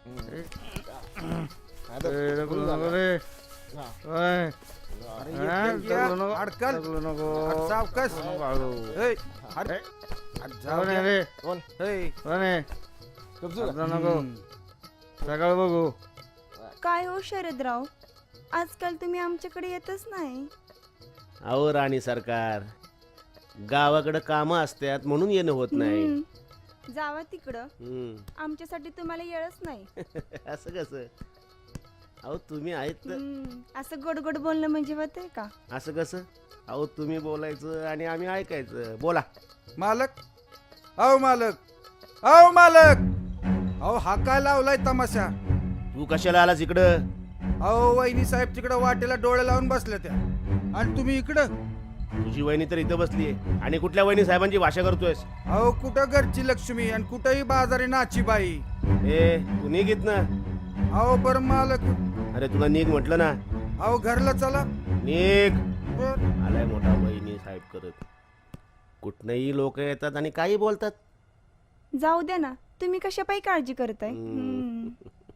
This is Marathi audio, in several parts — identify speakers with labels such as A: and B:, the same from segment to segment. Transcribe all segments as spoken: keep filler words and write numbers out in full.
A: सकाळ बघू.
B: काय हो शरदराव, आजकाल तुम्ही आमच्याकडे येतच नाही.
C: अहो राणी सरकार, गावाकडे काम असतात म्हणून येणं होत नाही.
B: हम्म. जावा तिकडं,
C: हम्म.
B: आमच्यासाठी तुम्हाला येळच नाही.
C: असं कसं? अहो तुम्ही आहेत तर.
B: हम्म. असं गोड गोड बोलणं म्हणजे होतंय का?
C: असं कसं? अहो तुम्ही बोलायचं आणि आम्ही ऐकायचं. बोला.
D: मालक, अहो मालक, अहो मालक, अहो हा काय लावलाय तमाशा?
C: तू कशाला आलास इकडं?
D: अहो वहिनी साहेब तिकडं वाटेला डोळे लावून बसल्या त्या, आणि तुम्ही इकडं.
C: तुझी वहिनी तर इथं बसलीये आणि कुठल्या वहिनी साहेबांची भाषा करतोयस?
D: अहो कुठं घरची लक्ष्मी आणि कुठंही बाजारी नाची बाई.
C: ए तू निघ इथनं.
D: अहो बरं मालक.
C: अरे तुला निघ म्हटलं ना.
D: अहो घरला चला.
C: निघ.
D: बर.
C: आलाय मोठा वहिनी साहेब करत. कुठनंही लोक येतात आणि काही बोलतात.
B: जाऊ द्या ना, तुम्ही कशापायी काळजी करताय?
C: हम्म.
B: हम्म.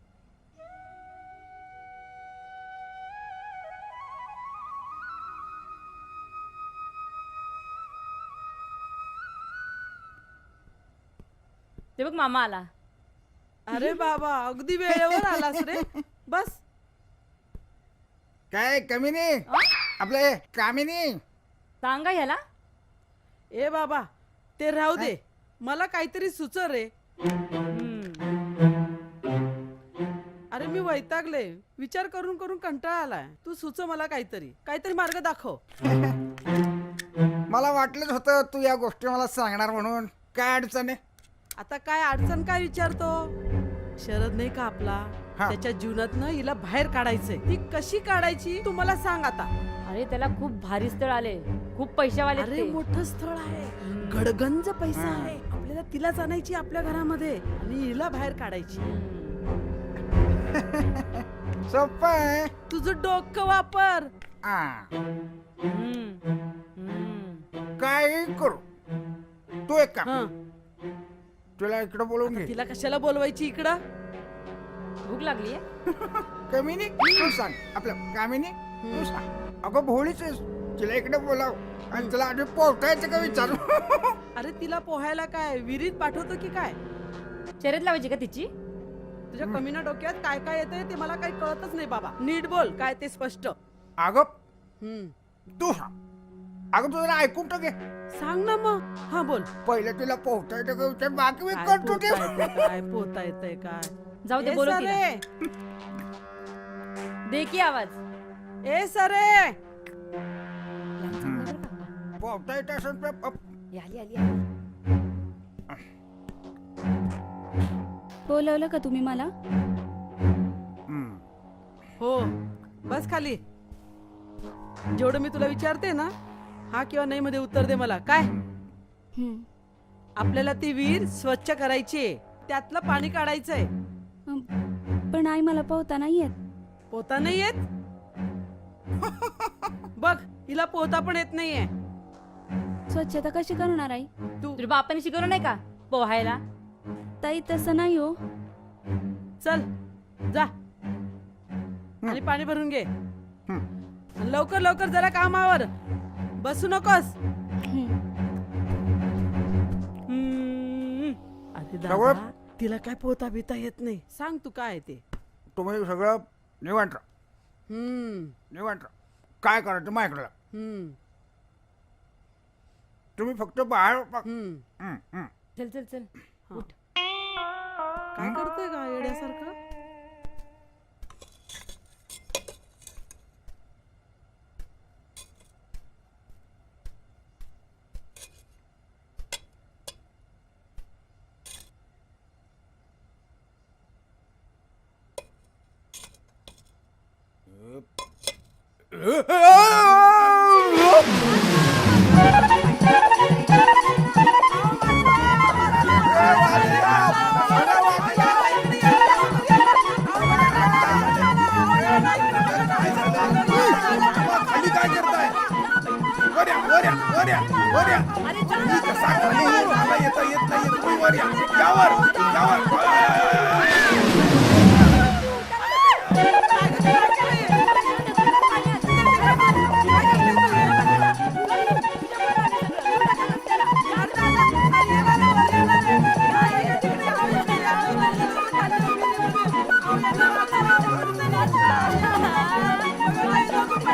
E: ते बघ मामा आला.
F: अरे बाबा, अगदी वेळेवर आलास रे. बस.
D: काय कमी नाही आपले कामी नाही.
E: सांगा ह्याला.
F: ए बाबा, ते राहू दे, मला काहीतरी सुच रे. अरे मी वैतागले, विचार करून करून कंटाळा आलाय. तू सुच मला काहीतरी काहीतरी मार्ग दाखव.
D: मला वाटलंच होतं तू या गोष्टी मला सांगणार म्हणून. काय अडचण आहे?
F: आता काय अडचण काय विचारतो? शरद नाही का आपला,
D: हा.
F: त्याच्या जीवनातनं हिला बाहेर काढायचंय. ती कशी काढायची तू मला सांग आता.
E: अरे त्याला खूप भारी स्थळ आले, खूप पैशावाले
F: अरे
E: ते.
F: मोठं स्थळ आहे, गडगंज पैसा आहे. आपल्याला तिलाच आणायची आपल्या घरामध्ये आणि हिला बाहेर काढायची.
D: सोपं आहे.
F: तुझं डोकं वापर.
D: आ,
F: हम्म. हम्म.
D: काही करू. तू एक काम,
F: हं.
D: तुला इकडं बोलवून घे.
F: तिला कशाला बोलवायची इकडं?
E: भूक लागली
D: कमी नाही तू सांग. आपलं कामिनी तू सांग. अगं भोळीच आहेस. तिला इकडे बोलाव आणि तुला आधी पोहतायचं का विचारू.
F: अरे तिला पोहायला काय विहिरीत पाठवतो की काय?
E: शर्यत लावायची का तिची?
F: तुझ्या कमीना डोक्यात काय काय येतंय ते मला काही कळतच नाही बाबा. नीट बोल काय ते स्पष्ट.
D: अगं
F: हम्म.
D: तू सांग. अगं तू जरा ऐकून टाके.
F: सांग ना मग. हा बोल.
D: पहिले तुला पोहता येतं का विचार, बाकी मी
F: काय
D: करतो ते.
F: पोहता येतंय काय पोहता येतंय काय?
E: जाऊ दे,
F: ए
E: बोलू
F: सरे,
E: तिला. दे की आवाज.
F: ए सरे.
D: पोहता येत असेल तर प-
E: आली आली आली.
B: बोलवलं का तुम्ही मला?
D: हम्म.
F: हो, बस खाली. जेवढं मी तुला विचारते ना, हा किंवा नाही मध्ये उत्तर दे मला. काय?
B: हम्म.
F: आपल्याला ती विहीर स्वच्छ करायची, त्यातलं पाणी काढायचंय.
B: पण आई मला पोहता नाही येत.
F: पोहता नाही येत? बघ, हिला पोहता पण येत नाहीये.
B: स्वच्छता कशी करणार आई?
F: तू
E: तुझ्या बापाने शिकवलं नाही का पोहायला?
B: ताई तसं नाही हो.
F: चल जा आणि पाणी भरून घे. आणि लवकर लवकर जरा कामावर बसू नकोस.
B: हम्म.
F: हम्म. अरे
D: सगळं-
F: दादा, तिला काय पोहता बिता येत नाही. सांग तू काय आहे ते.
D: तुम्ही सगळं निवांत राहा.
F: हम्म.
D: निवांत राहा. काय करायचं माझ्याकडे.
F: हम्म.
D: तुम्ही फक्त बाहेर पा-
F: हम्म.
D: हम्म, हम्म.
E: चल चल चल उठ.
F: काय करतोय का येड्यासारखं?
D: खाली काय करताय? वर या, वर या, वर या, वर या. मी कसा खाली येऊ? मला येता येत नाही. तुम्ही वर या. यावर, यावर.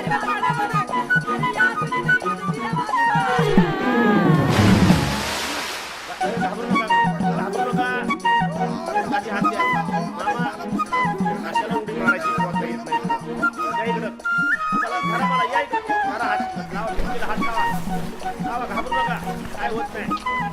C: अरे घाबरू नका घाबरू नका हाती हात द्या मामा कशाला उडी मारायची बोलता येत नाही या इकडं चला धरा मला या इकडं मारा हात लावा भिंतीला हात लावा लावा घाबरू नका काय होत नाही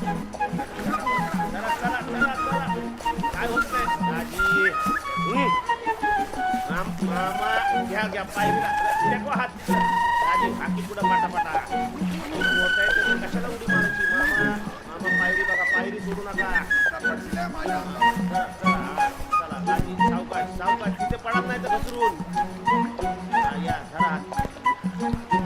C: चला चला चला चला काय होत नाही आजी हम्म. माम मामा घ्या घ्या पाय टेकवा हात आजी बाकी पुढं पाटापाटा होत आहे तर कशाला उडी मारायची मामा मामा पायरी बघा पायरी सोडू नका चला चला हा, चला आजी सावकाश सावकाश तिथे पडत नाही तर घसरून हा, या धरा हात.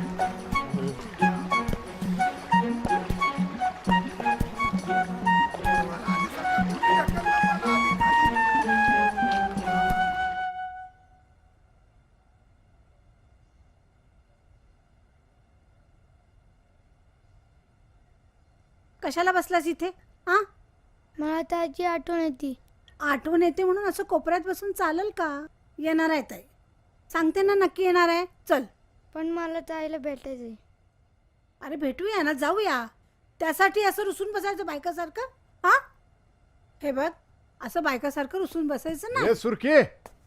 A: कशाला बसलास इथे हा
G: मला त्याची आठवण येते.
A: आठवण येते म्हणून असं कोपऱ्यात बसून चालेल का? येणार आहे ताई, सांगते ना नक्की येणार आहे. चल
G: पण मला ताईला भेटायचंय.
A: अरे भेटूया ना, जाऊया. त्यासाठी असं रुसून बसायचं बायकासारखं? हा हे बघ, असं बायकासारखं रुसून बसायचं ना.
H: ए सुरखे,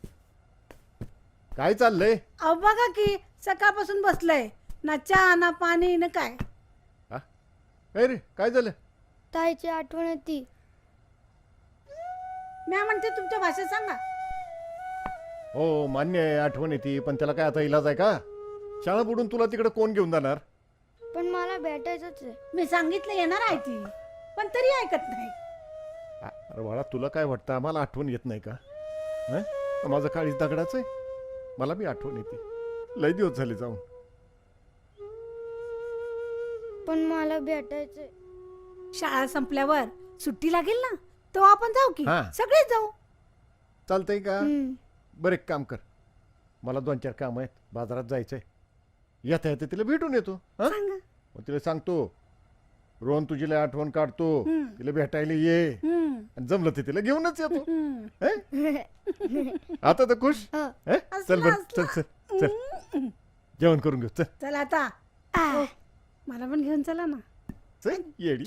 H: काय चाललंय?
A: अहो बघा की सकाळपासून बसलंय ना, चहा ना पाणी ना काय.
H: हा? काय रे, काय झालं?
G: ताईची आठवण येते.
A: मी म्हणते तुमच्या भाषेत सांगा.
H: हो मान्य आहे, आठवण येते, पण त्याला काय आता इलाज आहे का? शाळा बुडून तुला तिकडे कोण घेऊन जाणार?
G: पण मला भेटायचंच आहे.
A: मी सांगितलं येणार आहे ती, पण तरी ऐकत नाही.
H: आ, अरे बाळा, तुला काय वाटतं आम्हाला आठवण येत नाही का? हं? माझं काळीच दगडाच आहे, मला बी आठवण येते. लय दिवस झाले जाऊन.
G: पण मला भेटायचंय.
A: शाळा संपल्यावर सुट्टी लागेल ना, तेव्हा आपण जाऊ की.
H: हा.
A: सगळेच जाऊ.
H: चालतंय का?
G: हम्म.
H: बरं एक काम कर, मला दोन चार काम आहेत, बाजारात जायचंय. येता येते तिला भेटून येतो. हं?
A: सांगा.
H: मग तिला सांगतो रोहन तुझी लय आठवण काढतो,
A: हम्म.
H: तिला भेटायला ये,
A: हम्म.
H: आणि जमलं ते तिला घेऊनच येतो.
A: हम्म.
H: हं? आता तर खुश.
G: हो.
H: हं? चल
A: असला,
H: बर, चल
A: असला.
H: चल चल जेवण करून घेऊ. चल
A: चल आता. ओ, मला पण घेऊन चला ना.
H: चल येडी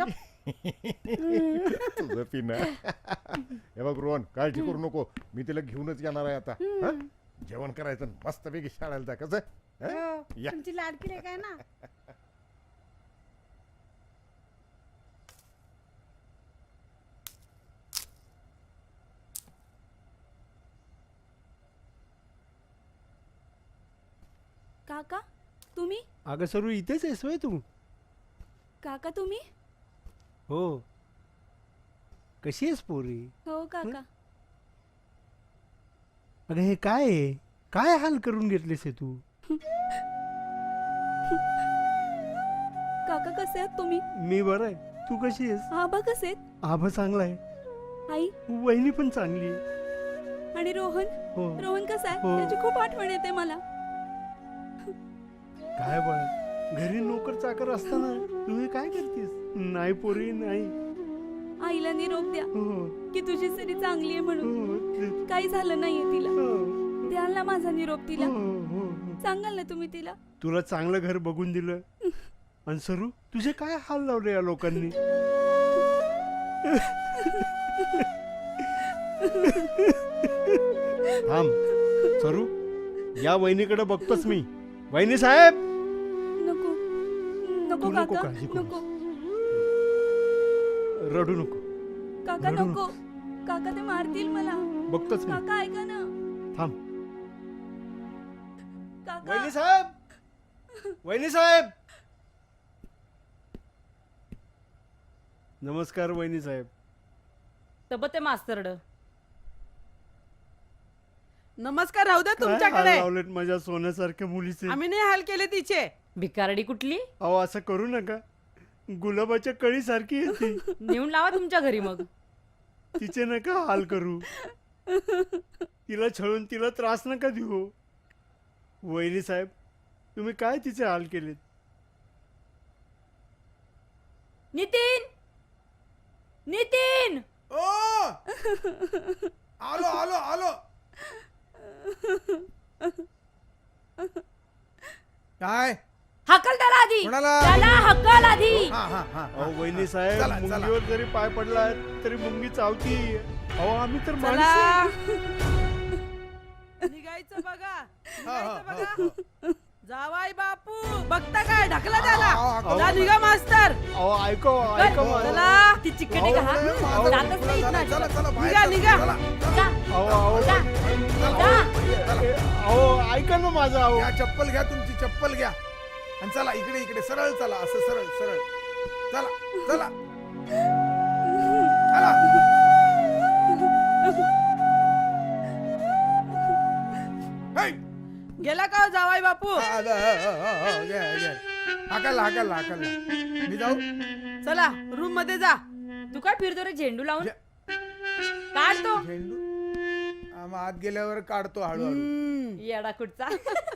H: तुझं पिना. हे बघ रोहन, काळजी करू नको, मी तिला घेऊनच येणार आहे आता. हं? जेवण करायचं, मस्तपैकी शाळेला जा. कसं हं?
A: हो,
H: या.
A: तुमची लाडकी रे काय ना.
B: काका तुम्ही?
I: अगं सरू, इथेच आहेस होय तू?
B: काका तुम्ही?
I: हो. कशी आहेस पोरी?
B: हो काका.
I: अगं हे काय आहे? काय हाल करून घेतलेस हे तू?
B: काका कसे आहात तुम्ही?
I: मी बरं आहे, तू कशी आहेस?
B: आबा कसे आहेत?
I: आभा चांगला आहे,
B: आई
I: वहिनी पण चांगली आहे.
B: आणि रोहन?
I: हो.
B: रोहन कसा आहे?
I: हो.
B: त्याची खूप आठवण येते मला.
I: काय बाळ, घरी नोकर चाकर असताना तू हे काय करतेस? नाही पोरी नाही.
B: आईला निरोप द्या
I: हो
B: की तुझी सरी चांगली आहे म्हणून.
I: हो ते-
B: काही झालं नाहीये तिला.
I: हो,
B: द्याल ना माझा निरोप तिला.
I: हो, हो, हो.
B: सांगाल ना तुम्ही तिला.
I: तुला चांगलं घर बघून दिलं, आणि सरू तुझे काय हाल लावले या लोकांनी? थांब सरू, या वहिनीकडे बघतोच मी. वहिनी साहेब,
B: नको नको
I: तू नको
B: काका
I: काळजी करू.
B: नको
I: रडू नको,
B: काका
I: रडू
B: नको. काका ते मारतील मला.
I: बघतोच मी.
B: काका ऐका ना.
I: थांब.
B: काका
I: वहिनी साहेब, वहिनी साहेब. नमस्कार वहिनी साहेब.
E: तब ते मास्तरड
F: नमस्कार, राहू द्या
I: काय हाल
F: तुमच्याकडे.
I: लावलेत माझ्या सोन्यासारख्या मुलीचे.
F: आम्ही नाही हाल केले तिचे.
E: भिकारडी कुठली?
I: अहो असं करू नका, गुलाबाच्या कळी सारखी येते.
E: नेऊन लावा तुमच्या घरी मग.
I: तिचे नका हाल करू, तिला छळून तिला त्रास नका देऊ. वहिनी साहेब, तुम्ही काय तिचे हाल केलेत?
E: नितीन, नितीन.
D: ओ आलो आलो आलो. काय
E: हकल त्याला आधी
D: कोणाला?
E: त्याला हकल आधी
D: हा हा हा
I: अहो वहिनी साहेब
D: चला, चला.
I: मुंगीवर जरी पाय पडला तरी मुंगी चावती अहो आम्ही तर
F: चला
I: माणसं.
F: निघायचं बघा
D: हा, हा,
F: निघायचं
D: हा,
F: बघा जावाई बापू बघता काय ढकला त्याला
D: अहो, अहो,
F: जा निघा मास्तर
I: अहो ऐको ऐको
D: हो,
I: मला.
F: चला
E: ती चिकटे का हा?
D: माझं-
E: जातच नाही
D: चला,
E: इथनं.
D: चला, चला, बाहेर
F: निघा,
D: चला,
F: निघा.
D: चला,
E: जा,
I: अहो अहो
E: जा, जा.
I: ए, अहो ऐका ना माझं अहो
D: घ्या चप्पल घ्या तुमची चप्पल घ्या आणि चला इकडे इकडे सरळ चला असं सरळ सरळ चला चला चला हे!
F: गेला का हो जावाई बापू
D: हा, हा, हा, हा, हा, घ्या, घ्या. हाकलला हाकलला हाकलला मी जाऊ
F: चला रूम मध्ये जा
E: तू काय फिरतो रे झेंडू लावून
D: जे-
E: काढतो
D: झेंडू हा, मग आत गेल्यावर काढतो हळूहळू
F: हम्म,
E: येडा कुठचा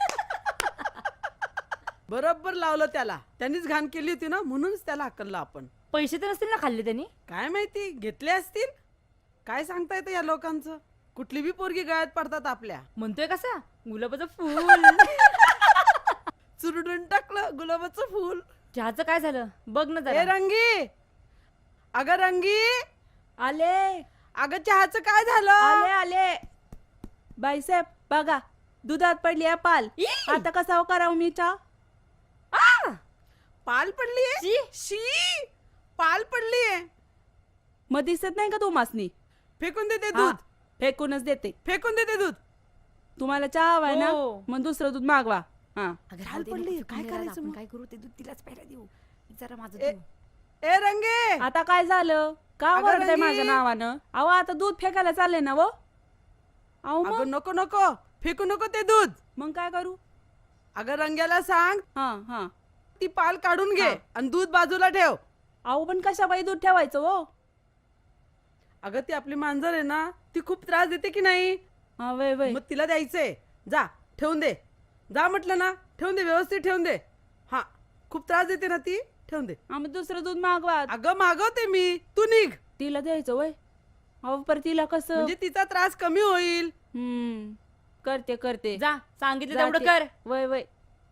F: बरोबर लावलं त्याला त्यांनीच घाण केली होती ना म्हणूनच त्याला हकललं आपण
E: पैसे तर नसतील ना खाल्ले त्यांनी
F: काय माहिती घेतले असतील काय सांगता येतं या लोकांचं कुठली बी पोरगी गळ्यात पडतात आपल्या
E: म्हणतोय कसा गुलाबाचं फुल
F: चुरडून टाकलं गुलाबाचं फुल
E: चहाचं काय झालं बघ ना
F: ए
E: जरा
F: रंगी अगं रंगी
E: आले
F: अगं चहाचं काय झालं
E: आले आले
F: बाईसाहेब बघा दुधात पडली आहे पाल
E: ई!
F: आता कसा करावं मी चहा
E: आ!
F: पाल पडली
E: शी!
F: शी पाल पडली आहे मग दिसत नाही का तू मासनी फेकून देते दूध फेकूनच देते फेकून देते दूध तुम्हाला चहा हवाय ना
E: हो.
F: मग दुसरं दूध मागवा हा
E: अगं
F: पाल
E: राहू दे,
F: पडली,
E: नको
F: काय
E: फेकून द्यायला,
F: करायचं
E: आपण
F: मग?
E: काय करू ते दूध तिलाच प्यायला देऊ जरा माझं
F: ए,
E: देऊ.
F: ए रंगे आता काय झालं का
E: अगं
F: वरडते
E: रंगी.
F: माझ्या नावानं अहो आता दूध फेकायला चालले ना वो अहो मग नको नको फेकू नको ते दूध मग काय करू अगं रंग्याला सांग हा हा ती पाल काढून घे आणि दूध बाजूला ठेव अहो पण कशा बाई दूध ठेवायचं हो अगं ती आपली मांजर आहे ना ती खूप त्रास देते की नाही हा वय वय मग तिला द्यायचंय जा ठेवून दे जा म्हटलं ना ठेवून दे व्यवस्थित ठेवून दे हा खूप त्रास देते ना ती ठेवून दे आम्ही दुसरं दूध मागवा अगं मागवते मी तू निघ तिला द्यायचं वय अहो पर तिला कसं म्हणजे तिचा त्रास कमी होईल हम्म करते करते
E: जा सांगितलं
F: जाते.
E: तेवढं कर
F: वय वय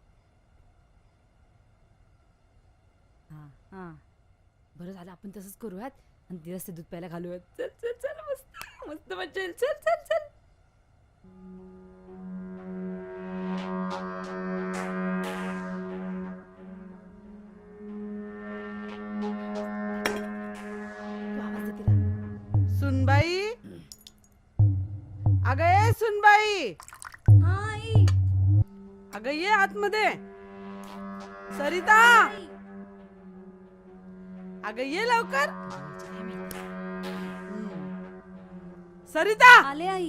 E: हा हा बरं झालं आपण तसंच करूयात आणि तिलाच ते दूध प्यायला घालूयात चल चल चल मस्त मस्त मजा येईल चल चल चल तू आवाज दे तिला.
F: सुनबाई अगं ये सुनबाई अगं ये आतमध्ये सरिता अगं ये लवकर हम्म. सरिता
B: आले आई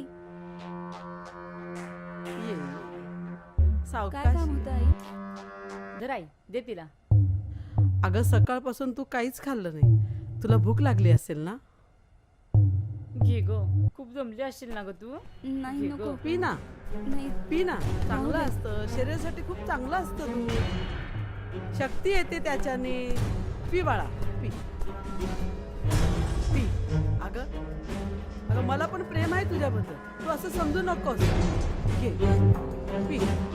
F: ये
B: काय
F: सावकाश
B: काम होतं आई
E: जरा आई दे तिला
F: अगं सकाळपासून तू काहीच खाल्लं नाही तुला भूक लागली असेल ना
E: घे ग खूप जमली असशील ना ग तू
B: नाही
E: घे
B: नको
E: गं.
F: पी ना
B: नाही
F: पी ना चांगलं असतं शरीरासाठी खूप चांगलं असतं दूध शक्ती येते त्याच्याने पी बाळा पी पी अगं अगं मला पण प्रेम आहे तुझ्याबद्दल तू असं समजू नकोस घे पी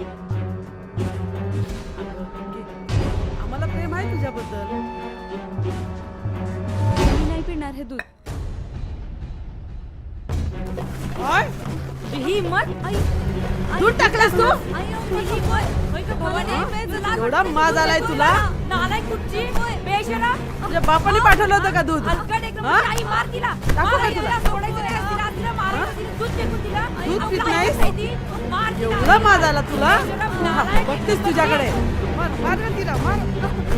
F: अगं, घे. आम्हाला प्रेम आहे तुझ्याबद्दल
B: मी नाही पिणार हे दूध
F: काय
E: ही हिम्मत
B: आई
F: दूध टाकलास तू
B: आई अहो, ही कोण? होय का भवानी?
F: एवढा माज आलाय तुला
E: नालाय कुठची बेशरा
F: तुझ्या बापाने पाठवलं होतं का दूध
E: हलकट एकदम
F: हा?
E: आई मार तिला
F: टाकू
E: मार
F: का
E: तिला,
F: तुला?
E: सोडायचं नाही तिला, तिला मारायचं, तिला दूध फेकून तिला.
F: दूध
E: आई,
F: पित
E: आपलं
F: नाहीस?
E: ऐकत नाही ती. मार तिला.
F: एवढा माज आला तुला
E: बेशरम,
F: हा,
E: नालायक.
F: बघतेस तुझ्याकडे मार मार ना तिला मार